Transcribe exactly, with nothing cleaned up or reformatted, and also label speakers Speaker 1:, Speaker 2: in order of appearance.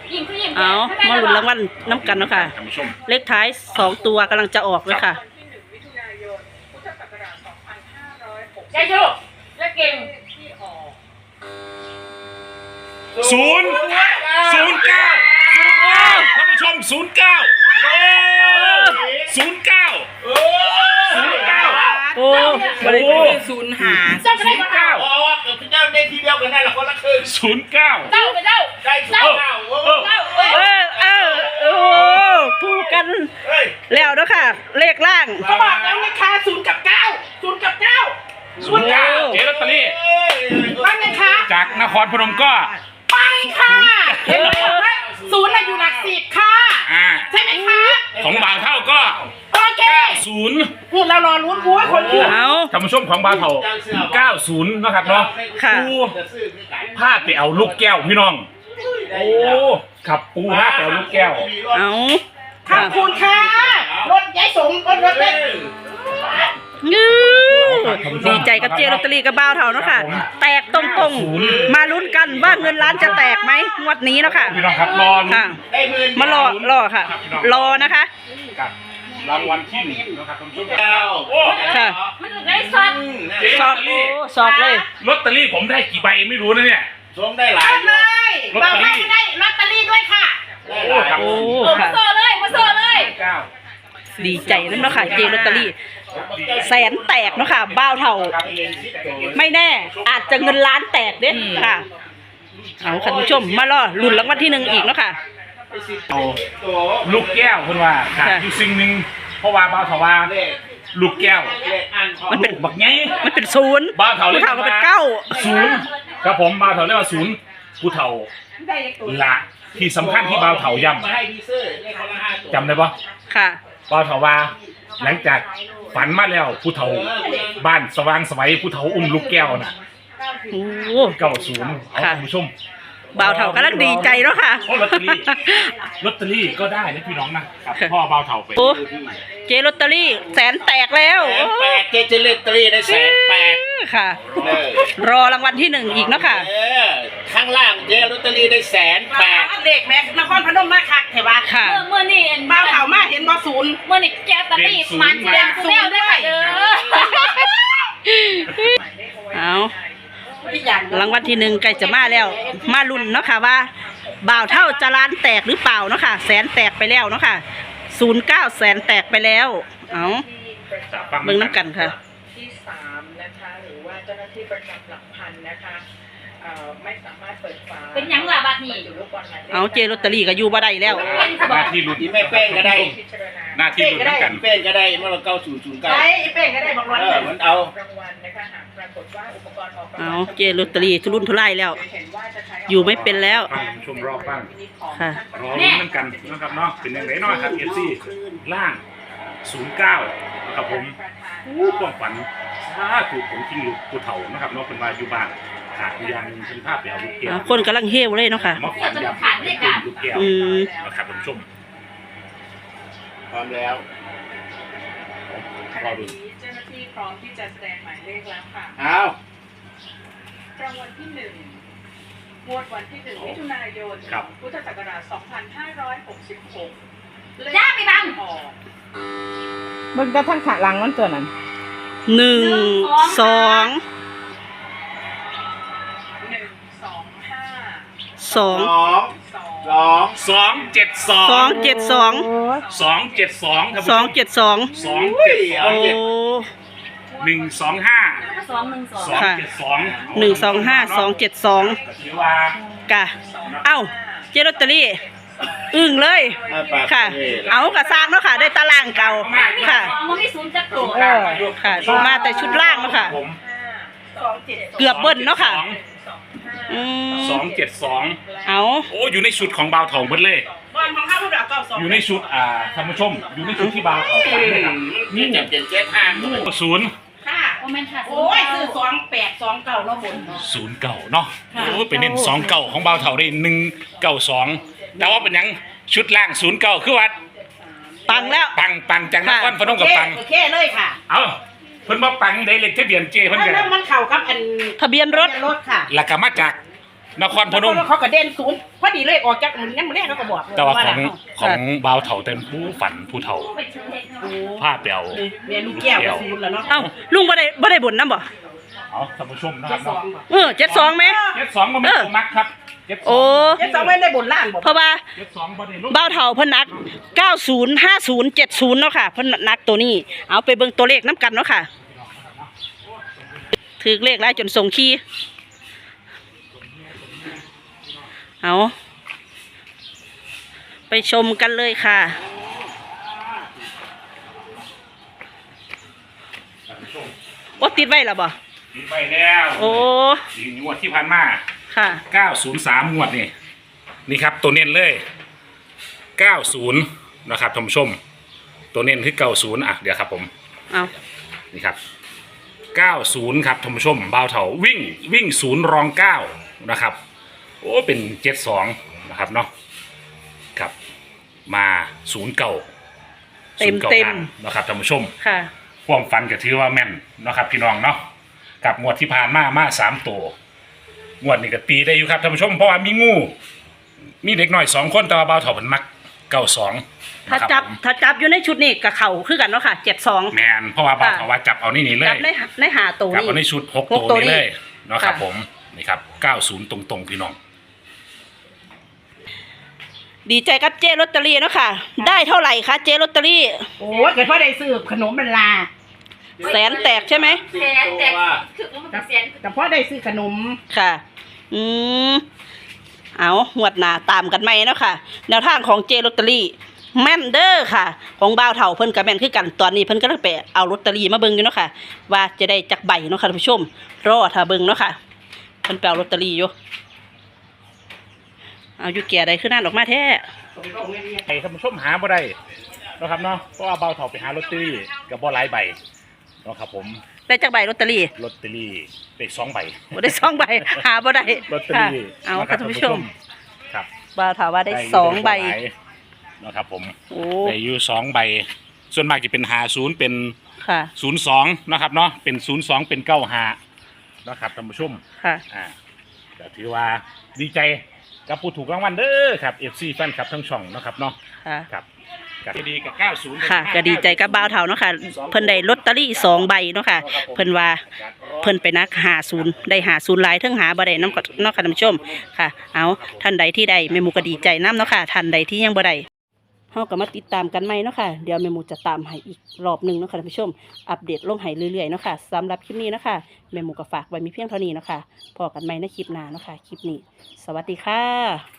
Speaker 1: เอามาลุ้นรางวัลน้ำกันเนาะค่ะเลขท้ายสองตัวกำลังจะออกเลยค่ะ
Speaker 2: ใจโชคและเก่ง
Speaker 3: ศูนย์ศูนย์เก้าท่านผู้ชมศูนย์เก้าศูนย์เก้าศูนย์เก้า
Speaker 1: โอ้
Speaker 4: บริเวณศูนย์หา
Speaker 2: เจ้าไปได้เก้า
Speaker 5: อ๋อเกิดเจ้าได้ทีเดียวกันนั่นแหละคนละครึ่ง
Speaker 3: ศูนย์เก้า
Speaker 2: เจ้าไปเจ้า
Speaker 5: ได้เก้าเก้าเก้า
Speaker 1: เออเออโอ้ถูกกันแล้วเนาะค่ะเลขล่าง
Speaker 4: เขาบอกแล้วนะคะศูนย์กับเก้าศูนย์กับเก้า
Speaker 3: ศูนย์เก้าเจ๊ลอตเตอรี่
Speaker 4: ว่าไงคะ
Speaker 3: จากนครพนมก็
Speaker 4: ไปค่ะเห็นไหมว่าศูนย์อยู่หลักสิบค่ะ
Speaker 3: อ่า
Speaker 4: ใช่ไหมคะ
Speaker 3: ของบ่าวเท่าก็
Speaker 4: โอเค
Speaker 3: ศูนย์
Speaker 4: พูดเรารอลุ้นบัวคนอื่น
Speaker 1: เอา
Speaker 3: ท่านผู้ชมของบ่าวเท่าเก้าศูนย์นะครับเนาะ
Speaker 1: ค่ะ
Speaker 3: ปูพาไปเอาลูกแก้วพี่น้องโอ้ขับปูพาไปเอาลูกแก้ว
Speaker 1: เอา
Speaker 4: ขอบคุณค่ะรถยายสมรถรถเล็ก
Speaker 1: ยื้อดีใจกับเจลอตเตอรี่กับบ้าวเท่าเนาะค่ะแตกตรงๆมาลุ้นกันว่าเงินล้านจะแตกไหมงวดนี้เนาะค่ะ
Speaker 3: พี่น้องครับรอลุ้น
Speaker 1: ค่ะมารอรอค่ะ รอนะคะ
Speaker 3: กับรางวัลที่หนึ่งนะครับท่านผู้ชม
Speaker 5: เก้า
Speaker 3: โอ้
Speaker 1: ค่ะ
Speaker 2: มันได้สัตว์
Speaker 3: เจ๊
Speaker 1: ส
Speaker 3: ล
Speaker 1: อ
Speaker 3: อบ ตเตอ
Speaker 1: โอ้
Speaker 3: รี่
Speaker 1: สอบเลย
Speaker 3: ลอตเตอรี่ผมได้กี่ใบไม่รู้นะเนี่ย
Speaker 5: ส่งได้หลาย
Speaker 4: เอาเลยบอกให้ได้ลอตเตอรี่ด้วยค่ะ
Speaker 5: ได้หลาย
Speaker 1: โอ้
Speaker 2: มา
Speaker 1: ค่ะ
Speaker 2: โซ่เลยมาโซ่เลย
Speaker 3: เก้า
Speaker 1: ดีใจนั่นเนาะค่ะเจลอตเตอรี่แสนแตกเนาะค่ะบ้าวเท่า ไม่แน่อาจจะเงินล้านแตกเด้ค่ะเอาค่ะผู้ชมมารอลุ้นรางวัลที่หนึ่งอีกเนาะค่ะ
Speaker 3: เอาลูกแก้วคุณว่าขาดอยู่สิ่งหนึ่งเพราะว่าบ่าวเถาว่าลูกแก้ว
Speaker 1: มันเป็น
Speaker 3: บักไง
Speaker 1: มันเป็นศูนย์
Speaker 3: บ่าวเถาเรีย
Speaker 1: ผู้
Speaker 3: ก
Speaker 1: เท่าก็เป็นเก้า
Speaker 3: ศูนย์ครับผมบ่าวเถาเรียกว่าศูนย์ผู้เฒ่าละที่สำคัญที่บ่าวเถาย้
Speaker 5: มาให้ดีเซอร์เลขคนละห้าตัว
Speaker 3: ำจำได้ปะ
Speaker 1: ค่ะ
Speaker 3: บ่าวเถาว่าหลังจากฝันมาแล้วผู้เฒ่าบ้านสว่างไสวัยผู้เฒ่าอุ้มลูกแก้วน่ะ
Speaker 1: โอ้
Speaker 3: เก้าศูนย์เอา
Speaker 1: ค่ะ
Speaker 3: คุณผู้ชม
Speaker 1: บ่าวเท่ากำลังดีใจเนาะค่ะ
Speaker 3: เพราะลอตเตอรี่ลอตเตอรี่ก็ได้นะพี่น้องนะครับพ่อบ่าวเฒ่าไป
Speaker 1: โอ้เจลอตเตอรี่แสนแตกแล้ว
Speaker 5: แสนแปดเจเจเลตตรีได้แสนแปด
Speaker 1: ค่ะ
Speaker 5: เออ
Speaker 1: รอรางวัลที่หนึ่งอีกเนาะค่ะ
Speaker 5: เออข้างล่างเจลอตเตอรี่ได้แสนแปด
Speaker 4: เด็กแม็กนครพนมมาคักเห็นปะ
Speaker 1: ค่ะ
Speaker 2: เมื่อเมื่อนี่
Speaker 4: บ้าวเถามาเห็นบ่ศูนย์
Speaker 2: เมื่อนี่แกตะลี่มันแดงแซวด้วยเด้อ
Speaker 1: เอา
Speaker 4: ที่อย่าง
Speaker 1: รางวัลที่หนึ่งใกล้จะมาแล้ว มาลุ้นเนาะค่ะว่าบ่าวเท่าจะล้านแตกหรือเปล่าเนาะค่ะแสนแตกไปแล้วเนาะค่ะศูนย์เก้าแสนแตกไปแล้ว เอาเบิ่งน้ำกันค่ะ
Speaker 6: ที่สามนะคะหรือว่าเจ้าหน้าที่ประจำหลักพันนะคะเอ่อไม่สามารถเปิดฝา
Speaker 2: เป็นยังล่ะบัดนี้
Speaker 6: อยู่ลูกบอลหมายเลข
Speaker 1: เอาเจลอตเตอรี่ก็อยู่บ่ได้แล้ว
Speaker 3: หน้าที่ลุ้น
Speaker 5: ที่ไม่แป้งก็ได้
Speaker 6: พิจารณา
Speaker 3: หน้าที่ลุ้นเหมือนกัน
Speaker 5: แป้งก็ได้เมื่อเราเก้าศูนย์ศูนย์เก้า
Speaker 4: ไอ้เป้งก็ได้บอกร้อย
Speaker 5: เอ
Speaker 4: เล
Speaker 5: อย มันเอา
Speaker 6: รางวัลนะคะหากปรากฏว่าอุปกรณ์ออกราง
Speaker 1: เอา
Speaker 6: วัล
Speaker 1: เจลอตเตอรี่ทุรุ่นทุไล่แล้ว
Speaker 6: เห็นว่าจะใช้
Speaker 1: อยู่ไม่เป็นแล้ว
Speaker 3: ฟังชมรอบบ้าง
Speaker 1: ค่ะ
Speaker 3: รอลุ้นเหมือนกันนะครับเนาะเป็นอย่างไรเนาะครับเอฟซีล่างศูนย์เก้านะครับผมอู้ความฝันถ้าถูกผมจริงลูกผู้เฒ่านะครับเนาะเป็นมาอยู่บ้านขาดอยู่อย่างหนึงเป็นภาพไปเอาลูกแก้ว
Speaker 1: เอาคนกำลังเฮวเลยเนาะค่ะ
Speaker 3: มาฝันยำเป็นลูกแก้ว
Speaker 1: อืม
Speaker 3: นะครับท่านผู้ชม
Speaker 5: พร้อมแล้ว
Speaker 3: รอดู
Speaker 6: เจ้าหน้าที่พร้อมที่จะแสดงหมายเลขแล้วค่ะ
Speaker 5: เอา
Speaker 6: รางวัลที่หนึ่งงวดวันที่หนึ่งมิถุนายนพุทธศักราชสองพันห้าร้อยหกสิบหก
Speaker 2: ย่าไปบัง
Speaker 6: ออก
Speaker 4: มึงจะทั้งขาหลังมันตัวนั้น
Speaker 1: หนึ่งสอง
Speaker 6: หนึ่งสองห้า
Speaker 1: สอง
Speaker 5: สอง
Speaker 6: สอง
Speaker 5: สอง
Speaker 3: สองเจ็ดสอง
Speaker 1: สองเจ็ดสอง
Speaker 3: สองเจ็ดสองครับ
Speaker 1: สองเจ็ดสอง
Speaker 3: สองเจ็ดสอ
Speaker 1: โอ้
Speaker 3: งหนึ่งสองห้า
Speaker 2: สองหนึ่งสอง
Speaker 3: สองเจ็ดสอง
Speaker 1: หนึ่งสองห้าสองเจ็ดสอง
Speaker 3: ถือว่าก
Speaker 1: ะเอ้าเจลอตเตอรี่อึ้งเลย
Speaker 5: เอาปาก
Speaker 1: ค่ะ
Speaker 5: เลย
Speaker 1: เอากระซางเนาะค่ะ ได้ตารางเก่าค่ะ
Speaker 2: สองมันไม่ศูนย์จักรโต
Speaker 1: เออค่ะมาแต่ชุดล่างเนาะค่ะ
Speaker 3: ผม
Speaker 4: สองเจ็ด
Speaker 1: เกือบเบิ้ลเนาะค่ะอืม
Speaker 3: สองเจ็ดสอง
Speaker 1: เอา
Speaker 3: โอ้อยู่ในชุดของบาวทองเบิดเลย
Speaker 4: บอลของข้าผู้ดาวเก้าสอง
Speaker 3: อยู่ในชุดอ่าท่านผู้ชม อยู่ในชุดที่บาวทองฝันเลยครับ
Speaker 5: นี่เจ็ดเจ็ดเจ็ดห้า
Speaker 3: ศูนย์
Speaker 4: ค่ะ
Speaker 2: โอเมนค่ะ
Speaker 4: โอ้ยซื้อสองแปดสองเก้าแล้วบนเนาะ
Speaker 3: ศูนย์เก่าเนาะโอ้ไปเน้นสองเก่าของบาวเถาได้หนึ่งเก่าสองแต่ว่าเป็นหยังชุดล่างศูนย์เก่าคือว่า
Speaker 1: ปังแล้ว
Speaker 3: ปังปังจากนครพนมกับปัง
Speaker 4: โอเคเลยค่ะ
Speaker 3: เอ้าเพิ่นมาปังได้เลขทะเบียนเจเพิ่นกัน
Speaker 4: แล้วมันเข่ากับอัน
Speaker 1: ทะเบียนรถ
Speaker 4: รถค่ะ
Speaker 3: แล้วก็มาจากนครพนม
Speaker 4: เขาก็เด่นศูนย์พอดีเลยออกจากงั้นมื้อแรกเขาก็บอกเลย
Speaker 3: แต่ว่าของ
Speaker 4: น่ะ
Speaker 3: ของบ่าวเฒ่าเต็มผู้ฝันผู้เฒ่า
Speaker 4: โอ้
Speaker 3: ผ้าเปียว
Speaker 4: เมียลูกแก้วก็ศูนย์แล้วเนาะ
Speaker 1: เอ้าลุงบ่ได้บ่ได้บ่นนำบ่
Speaker 3: เอาท่านผู้ชมนะค
Speaker 4: เจ็
Speaker 3: รั
Speaker 4: ด
Speaker 3: บ
Speaker 4: สองบ่
Speaker 1: เออเจ็ดสองไหม
Speaker 3: เจ็ดสองก็ไม่ตรงนักครับเจ็ดสง
Speaker 1: โอ้
Speaker 4: เจ็ดสองไม่ได้บนล้านบ่
Speaker 1: เพราะว่า
Speaker 3: เจ็ดสองบ่ได้ลง
Speaker 1: เบ้าเฒ่าเพิ่นนักเก้าศูนย์ ห้าศูนย์ เจ็ดศูนย์เนาะค่ะเพิ่นนักตัวนี้ เอาไปเบิ่งตัวเลขนํกันเนาะค่ะถือเลขหลายจนส่งขี้เอาไปชมกันเลยค่ะโอ้ติดไว้แล้วบ่
Speaker 3: ติดไปแล้ว
Speaker 1: โอ้
Speaker 3: อีกงวดที่ผ่านมา
Speaker 1: ค่ะ
Speaker 3: เก้าศูนย์สามงวดนี่นี่ครับตัวเน้นเลยเก้าสิบนะครับท่านผู้ชม ตัวเน้นคือเก้าสิบอ่ะเดี๋ยวครับผม
Speaker 1: เอา
Speaker 3: นี่ครับเก้าสิบครับท่านผู้ชมบ่าวเถาวิ่งวิ่งศูนย์รองเก้านะครับโอ้เป็นเจ็ดสองนะครับเนาะครับมาศูนย์เก่า
Speaker 1: เต็มเต็ม
Speaker 3: นะครับท่านผู้ชม
Speaker 1: ค่ะ
Speaker 3: ความฝันก็ถือว่าแม่นนะครับพี่น้องเนาะกับงวดที่ผ่านมามาสามตัวงวดนี้ก็ตีได้อยู่ครับท่านผู้ชมเพราะว่ามีงูมีเด็กหน่อยสองคนแต่ว่าบ่าวเถาเป็นมักเก้าสอง
Speaker 1: ถ้าจับถ้าจับอยู่ในชุดนี้กับเข่าคือกันเนาะค่ะเจ็ดสอง
Speaker 3: แมนเพราะว่าบ่าวเถาว่าจับเอานี่นี่เล
Speaker 1: จับ
Speaker 3: ย
Speaker 1: ในในหาตัว
Speaker 3: จับ
Speaker 1: นี้
Speaker 3: เอาในชุดหก
Speaker 1: หก
Speaker 3: ตัว
Speaker 1: ตัว
Speaker 3: นี้
Speaker 1: นี้
Speaker 3: เลยเนาะครับ
Speaker 1: ค่ะ
Speaker 3: ผมนี่ครับเก้าสิบตรงๆพี่น้อง
Speaker 1: ดีใจกับเจลอตเตอรี่เนาะค่ะ ได้เท่าไหร่คะเจลอตเตอรี่
Speaker 4: โอ้ยเกิดพ่อได้ซื้อขนมมันลา
Speaker 1: แสนแตกใช่ไหม
Speaker 2: แสนแต่ถึงมันแสน
Speaker 4: แต่พ่อได้ซื้อขนม
Speaker 1: ค่ะ อืมเอาหวดหนาตามกันไหมเนาะค่ะ แนวทางของเจลอตเตอรี่แม่นเด้อค่ะ ของบ่าวเฒ่าเพิ่นกับแม่นคือกันตอนนี้เพิ่นก็เลยไปเอาลอตเตอรี่มาเบิ่งอยู่เนาะค่ะ ว่าจะได้จักใบเนาะค่ะท่านผู้ชมรอถ้าเบิ่งเนาะค่ะเพิ่นไปเอาลอตเตอรี่อยู่เอาอยู่แก่ใดขึ้นนั่นออกมาแท้
Speaker 3: ให้ท่านผู้ชมหาบ่ได้เนาะครับเนาะเพราะว่าเบาเถาไปหาลอตเตอรี่กับบ่หลายใบเนาะครับผม
Speaker 1: ได้จักใบลอตเตอรี่
Speaker 3: ลอตเตอรี่ได้สองใบ
Speaker 1: บ่ได้สองใบหาบ่ได้
Speaker 3: ลอตเตอ
Speaker 1: ค่ะ
Speaker 3: รี่
Speaker 1: เอา
Speaker 3: นะค
Speaker 1: ค่ะ
Speaker 3: รับ
Speaker 1: ท่านผู้ชม
Speaker 3: ครับ
Speaker 1: บ่าวถามว่าได้สองใบ
Speaker 3: ได้อยู่หลายนะครับผม
Speaker 1: โอ้
Speaker 3: ได้อยู่สองใบ ส่วนมากจะเป็นหาศูนย์เป็น
Speaker 1: ค่ะ
Speaker 3: ศูนย์สองนะครับเนาะเป็นศูนย์สองเป็นเก้าหานะครับท่านผู้ชม
Speaker 1: ค่ะ
Speaker 3: อ่าก็ถือว่าดีใจกับผู้ถูกรางวัลเด้อครับ เอฟ ซี แฟนคลับทั้งช่องนะครับเนาะ
Speaker 1: ค่ะ
Speaker 3: ครับก็ดีกับเก้าสิบ
Speaker 1: ค่ะก็ดีใจกับบ่าวเฒ่าเนาะค่ะ เพิ่นได้ลอตเตอรี่สองใบเนาะค่ะ เพิ่นว่าเพิ่นไปนักหาศูนย์ได้หาศูนย์หลายเทั้งหาบ่ได้นำเนาะค่ะท่านผู้ชมค่ะ เอาท่านใดที่ได้แม่หมูก็ดีใจนํเนาะค่ะท่านใดที่ยังบ่ได้เฮาก็มาติดตามกันใหม่เนาะค่ะเดี๋ยวแม่หมูจะตามให้อีกรอบหนึงเนาะค่ะท่านผู้ชมอัปเดตลงให้เรื่อยๆเนาะค่ะสำหรับคลิปนี้เนาะค่ะแม่หมูก็ฝากไว้มีเพียงเท่านี้เนาะค่ะพบกันใหม่ในคลิปหน้าเนาะค่ะคลิปนี้ สวัสดีค่ะ